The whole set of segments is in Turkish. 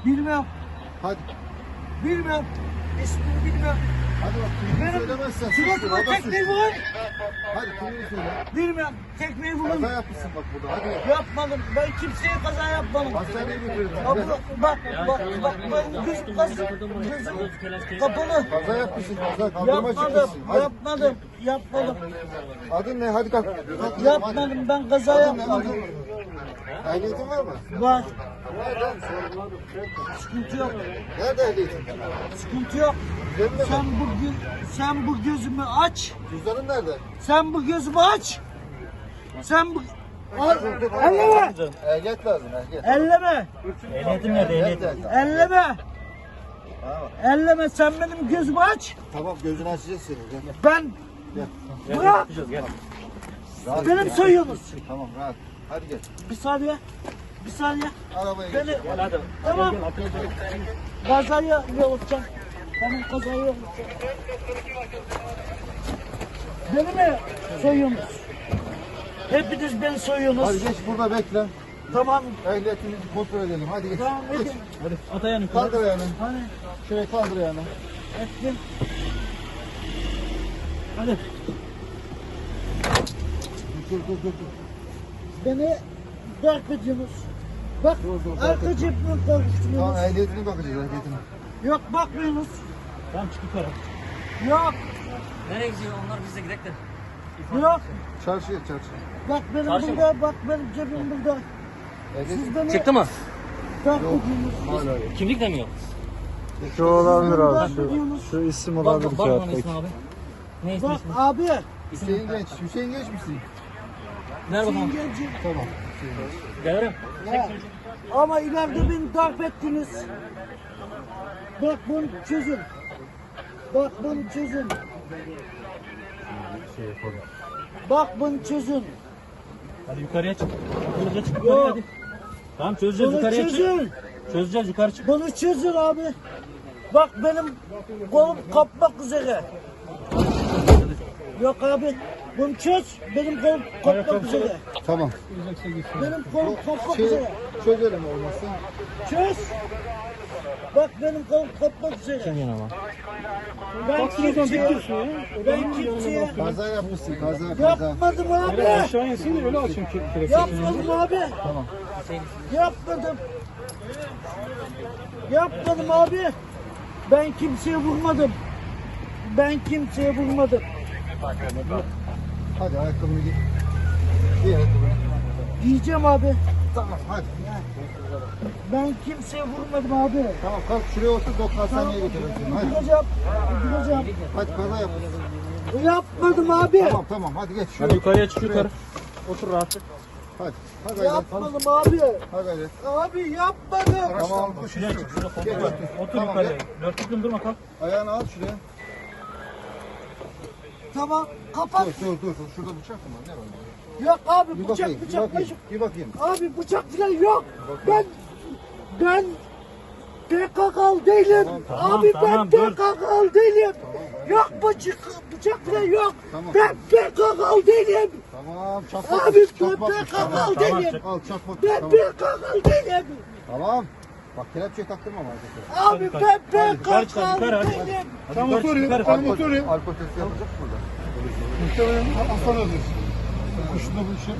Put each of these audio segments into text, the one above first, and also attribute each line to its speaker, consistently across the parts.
Speaker 1: Bilmem.
Speaker 2: Hadi.
Speaker 1: Bilmem. İsmini bilmem.
Speaker 2: Hadi bak kimliğini söylemezsen.
Speaker 1: Suratıma tekmeyi vurun.
Speaker 2: Hadi kimliğini söyle.
Speaker 1: Bilmem. Tekmeyi vurun.
Speaker 2: Kaza yapmışsın bak burada. Hadi.
Speaker 1: Yapmadım. Ben kimseye kaza yapmadım.
Speaker 2: Hastaneye götürelim.
Speaker 1: Bak ben gözüm kapalı.
Speaker 2: Kaza yapmışsın. Kaza kaldırıma çıkmışsın. Hadi.
Speaker 1: Yapmadım.
Speaker 2: Adın ne? Hadi kalk.
Speaker 1: Yapmadım. Ben kaza yapmadım.
Speaker 2: Ehliyetin var mı?
Speaker 1: Var.
Speaker 2: Nerede?
Speaker 1: Sıkıntı yok.
Speaker 2: Nerede ehliyetin?
Speaker 1: Sıkıntı yok.
Speaker 2: Cebinde mi?
Speaker 1: Sen bu gözümü aç.
Speaker 2: Cüzdanın nerede?
Speaker 1: Sen bu gözümü aç. Sen bu... Elleme.
Speaker 2: Ehliyet lazım. Ehliyet.
Speaker 1: Elleme.
Speaker 3: Ehliyetim nerede? Ehliyetim.
Speaker 1: Elleme.
Speaker 2: Tamam.
Speaker 1: Elleme. Sen benim gözümü aç.
Speaker 2: Tamam gözünü açacağız seni. Gel.
Speaker 1: Ben...
Speaker 2: Gel.
Speaker 1: Bırak.
Speaker 3: Gel.
Speaker 2: Rahat
Speaker 1: Benim
Speaker 2: gel.
Speaker 1: soyuyorsunuz.
Speaker 2: Tamam rahat. Hadi gel.
Speaker 1: Bir saniye. Bir saniye.
Speaker 2: Arabaya
Speaker 1: Beni...
Speaker 2: geç.
Speaker 3: Gel hadi.
Speaker 1: Tamam. Kazayı yollayacağım. Tamam kazayı yollayacağım. Beni mi soyuyorsunuz? Hepiniz beni soyuyorsunuz.
Speaker 2: Hadi geç burada bekle.
Speaker 1: Tamam.
Speaker 2: Ehliyetini kontrol edelim. Hadi geç.
Speaker 1: Tamam
Speaker 2: Geç.
Speaker 1: edin.
Speaker 3: Hadi at ayağını.
Speaker 2: Kaldır ayağını.
Speaker 1: Hani
Speaker 2: Şöyle kaldır ayağını.
Speaker 1: ettim.
Speaker 3: Hadi.
Speaker 2: Dur.
Speaker 1: Beni darp ediyorsunuz. Bak
Speaker 2: Dur,
Speaker 1: arka cebime konuşturuyorsunuz.
Speaker 2: Tamam ehliyetine bakacağız ehliyetine.
Speaker 1: Yok bakmıyorsunuz.
Speaker 3: Tamam çık yukarı.
Speaker 1: Yok.
Speaker 4: Nereye gidiyor? Onlar bizle gidelim de.
Speaker 1: Yok.
Speaker 2: Çarşıya çarşı.
Speaker 1: Bak benim
Speaker 3: Çarşı
Speaker 1: burada. Bak benim cebim burada.
Speaker 2: Ehliyet.
Speaker 1: Siz beni
Speaker 4: Çıktı mı?
Speaker 1: darp ediyorsunuz.
Speaker 2: Hala yok.
Speaker 4: Kimlik de mi yok?
Speaker 5: Şu olabilir abi.
Speaker 1: Darp ediyorsunuz.
Speaker 5: Şu isim
Speaker 4: Bak
Speaker 5: olabilir
Speaker 4: bana
Speaker 5: kağıttaki.
Speaker 4: ismi abi. Ne ismi?
Speaker 1: Bak abi.
Speaker 2: Hüseyin Genç. Hüseyin Genç misin?
Speaker 4: Ver bakalım.
Speaker 1: Gencim.
Speaker 2: Tamam.
Speaker 4: Gelirim.
Speaker 1: Ya. Ama ileride beni darp ettiniz. Bak bunu çözün. Bak bunu çözün. Bak bunu çözün.
Speaker 3: Hadi yukarıya çık. Yukarıya çık.
Speaker 1: Yok.
Speaker 3: Yukarıya hadi. Tamam çözeceğiz
Speaker 1: Bunu
Speaker 3: yukarıya çık.
Speaker 1: çözün.
Speaker 3: Çözeceğiz yukarı çık.
Speaker 1: Bunu çözün abi. Bak benim kolum kopmak üzere. Yok abi. Bunu çöz. Benim kolum kopmak üzere.
Speaker 2: Tamam.
Speaker 1: Benim kolum kopmak üzere.
Speaker 2: Çözelim olmazsa.
Speaker 1: Çöz. Bak benim kolum kopmak üzere. Ben kimseye
Speaker 2: Kaza yapmışsın. Kaza.
Speaker 1: yapmadım abi.
Speaker 3: Aşağı insin öyle açın ki.
Speaker 1: Yapmadım abi.
Speaker 2: Tamam.
Speaker 1: Yapmadım. Yapmadım abi. Ben kimseye vurmadım. Ben kimseye vurmadım.
Speaker 2: Hadi ayakkabını giy. Giy ayakkabını.
Speaker 1: Diyeceğim abi.
Speaker 2: Tamam hadi.
Speaker 1: Ben kimseye vurmadım abi.
Speaker 2: Tamam kalk şuraya otur. Doktor hastaneye götürelim seni. Hadi.
Speaker 1: Duracağım. Duracağım.
Speaker 2: Hadi kaza yapmışsın.
Speaker 1: Yapmadım abi.
Speaker 2: Tamam hadi geç.
Speaker 3: Hadi
Speaker 2: Şuraya.
Speaker 3: yukarıya çık yukarı. Otur rahat.
Speaker 2: Hadi. Hadi gayret.
Speaker 1: Yapmadım abi.
Speaker 2: Hadi gayret.
Speaker 1: Abi yapmadım.
Speaker 2: Tamam.
Speaker 3: Şuraya çık. Şurada kontrol
Speaker 2: Geç,
Speaker 3: et.
Speaker 2: otur.
Speaker 3: Otur
Speaker 2: Tamam,
Speaker 3: yukarıya.
Speaker 2: gel.
Speaker 3: Dörtlükle durma kalk.
Speaker 2: Ayağını al şuraya.
Speaker 1: Tamam. Kapat.
Speaker 2: Dur. Şurada bıçak mı var? Ne var?
Speaker 1: Yok abi
Speaker 2: Bir
Speaker 1: bıçak
Speaker 2: bakayım.
Speaker 1: bıçak.
Speaker 2: Bir bakayım.
Speaker 1: Abi bıçak falan yok. Ben PKK'lı değilim.
Speaker 3: Tamam,
Speaker 1: Abi
Speaker 3: tamam,
Speaker 1: ben
Speaker 3: dur.
Speaker 1: PKK'lı değilim. Yok bıçak falan yok.
Speaker 2: Tamam.
Speaker 1: Ben PKK'lı değilim.
Speaker 2: Tamam. Çakmak.
Speaker 1: Abi ben
Speaker 2: Çakmak.
Speaker 1: PKK'lı
Speaker 3: Tamam,
Speaker 1: değilim.
Speaker 2: Al çakmak.
Speaker 1: Ben
Speaker 2: Tamam.
Speaker 1: PKK'lı değilim.
Speaker 2: Tamam. Bak kelepçeyi taktırmam arkadaşlar.
Speaker 1: Abi ben
Speaker 3: yukarı çık, yukarı,
Speaker 1: PKK'lı
Speaker 3: hadi.
Speaker 1: değilim.
Speaker 3: Hadi yukarı çık yukarı.
Speaker 2: Alkol testi yapacak mı burada?
Speaker 5: Muhtemelen Hasan alır. Kuşunda bu işe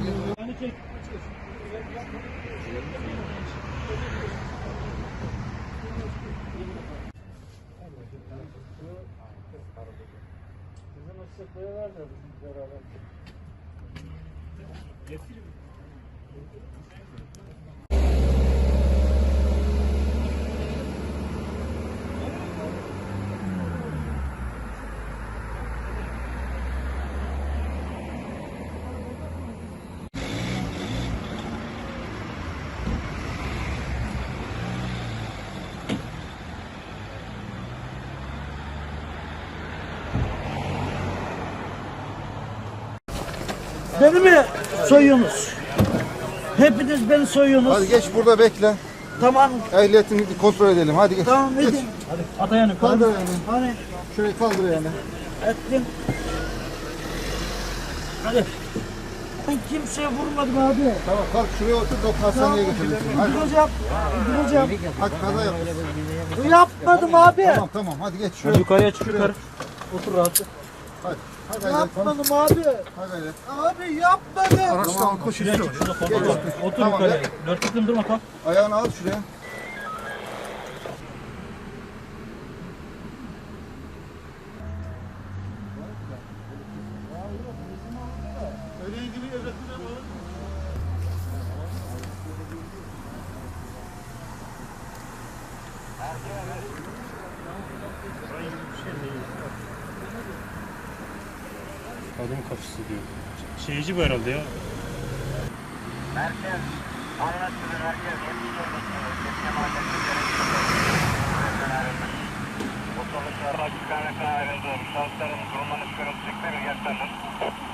Speaker 1: Beni mi soyuyorsunuz? Hepiniz beni soyuyorsunuz.
Speaker 2: Hadi geç burada bekle.
Speaker 1: Tamam.
Speaker 2: Ehliyetini kontrol edelim. Hadi geç.
Speaker 1: Tamam
Speaker 2: Geç.
Speaker 1: edin.
Speaker 3: Hadi at ayağını yukarı.
Speaker 2: Kaldır ayağını.
Speaker 1: Hani
Speaker 2: Şurayı kaldır ayağını.
Speaker 1: ettim.
Speaker 3: Hadi.
Speaker 1: Ben kimseye vurmadım abi.
Speaker 2: Tamam kalk şuraya otur doktor hastaneye götürelim. Hadi.
Speaker 1: Duracağım. Duracağım.
Speaker 2: Hadi kaza yap.
Speaker 1: Yapmadım abi.
Speaker 2: Tamam tamam hadi geç
Speaker 3: Hadi
Speaker 2: şuraya.
Speaker 3: yukarıya çık yukarı. Otur rahat.
Speaker 2: Hadi. Hadi hadi.
Speaker 1: Yapmadım abi.
Speaker 2: Hadi.
Speaker 1: Abi yapmadım.
Speaker 5: Araçta alkol
Speaker 3: Şuraya
Speaker 5: şişesi
Speaker 3: çık
Speaker 5: var.
Speaker 3: şurada kontrol. Otur
Speaker 2: Tamam,
Speaker 3: yukarıya.
Speaker 2: gel.
Speaker 3: Dört tıklım durma kalk.
Speaker 2: Ayağını al şuraya.
Speaker 5: Öyle ilgili evraklar var.
Speaker 6: Kadın kapısı diyor. Şeyci bu herhalde ya.
Speaker 7: Merkez, anlaşılır merkez, 70 olması, Kesin Mahallesi Otobüsler, araç ikametinden ayrıldı. Şahısların durumlarını çıkarılacakları yaklaşın.